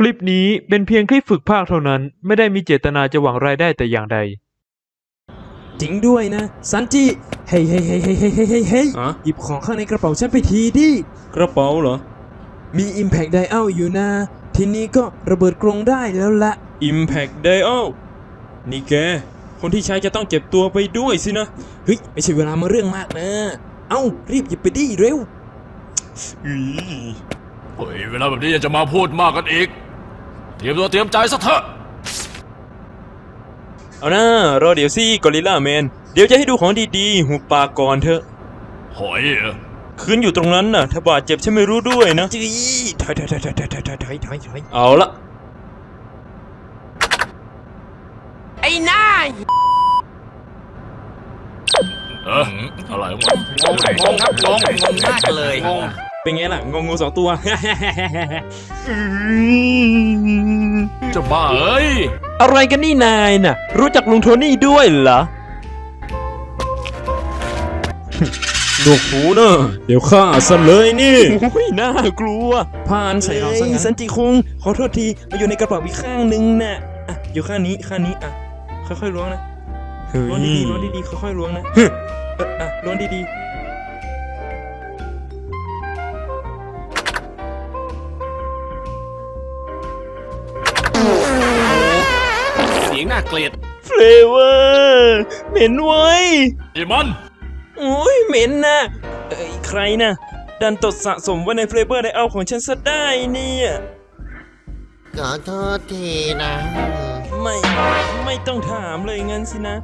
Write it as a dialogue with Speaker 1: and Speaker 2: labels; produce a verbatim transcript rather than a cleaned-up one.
Speaker 1: ลิปนี้เป็นเพียงคลิปฝึกพากย์เท่านั้นไม่ได้มีเจตนาจะหวังรายได้แต่อย่างใด
Speaker 2: จริงด้วยนะซันจิเฮ้ยเฮ้ยเฮ้ยเฮ้ยเฮ้ยเฮ้ยเฮ้ย
Speaker 3: อะ
Speaker 2: หยิบของข้างในกระเป๋าฉันไปทีดิ
Speaker 3: กระเป๋าเหรอ
Speaker 2: มี Impact Dial อยู่นะ ทีนี้ก็ระเบิดกรงได้แล้วละ
Speaker 3: Impact Dial นี่แกคนที่ใช้จะต้องเจ็บตัวไปด้วยสินะ
Speaker 2: เฮ้ย ไม่ใช่เวลามาเรื่องมากนะ เอ้า รีบหยิบไปดิเร็ว
Speaker 3: อือ
Speaker 4: เฮ้ยเวลาแบบนี้ยังจะมาพูดมากกันอีก เตรียมตัวเตรียมใจซะเถอะ
Speaker 3: เอาหน้ารอเดี๋ยวสิกอริลล่าแมนเดี๋ยวจะให้ดูของดีๆหุบปากก่อนเถอะ
Speaker 4: หอยเหรอ
Speaker 3: คืนอยู่ตรงนั้นน่ะถ้าบาดเจ็บฉันไม่รู้ด้วยนะ
Speaker 2: จีถอยถอยถอยถอยถอยถอยถอยถอยถอยถอย
Speaker 3: เอาละ
Speaker 5: ไอ้หน้า
Speaker 4: เอออะไรวะ
Speaker 5: งงงงครับงงงงมากเลยงง
Speaker 3: เป็นไงล่ะงงงูสองตัว
Speaker 4: จะบ้าเอ้ย
Speaker 1: อะไรกันนี่นายน่ะรู้จักลุงโทนี่ด้วยเหรอ
Speaker 3: หนวกหูเนอะเดี๋ยวฆ่าซะเลยนี่
Speaker 1: โอ้ยน่ากลัว
Speaker 2: ผ่านใส่เราซะงั้น
Speaker 3: สันจิคุงขอโทษทีมาอยู่ในกระเป๋าอีกข้างนึงน่ะอ่ะอยู่ข้างนี้ข้างนี้อ่ะค่อยๆล้วงนะ
Speaker 1: เฮ้ย
Speaker 3: ล้วงดีๆล้วงดีๆค่อยๆล้วงนะเอออ่ะล้วงดีๆ
Speaker 4: เสียงน่าเกลียด
Speaker 3: เฟลเวอร์เหม็นไว้ย
Speaker 4: ไอ้มัน
Speaker 3: โอ้ยเหม็นนะเอ้ยใครนะดันตดสะสมไว้ในเฟลเวอร์ไดเอาของฉันซะได้เนี่ย
Speaker 5: ขอโทษทีนะ
Speaker 3: ไม่ไม่ต้องถามเลยงั้นสินะ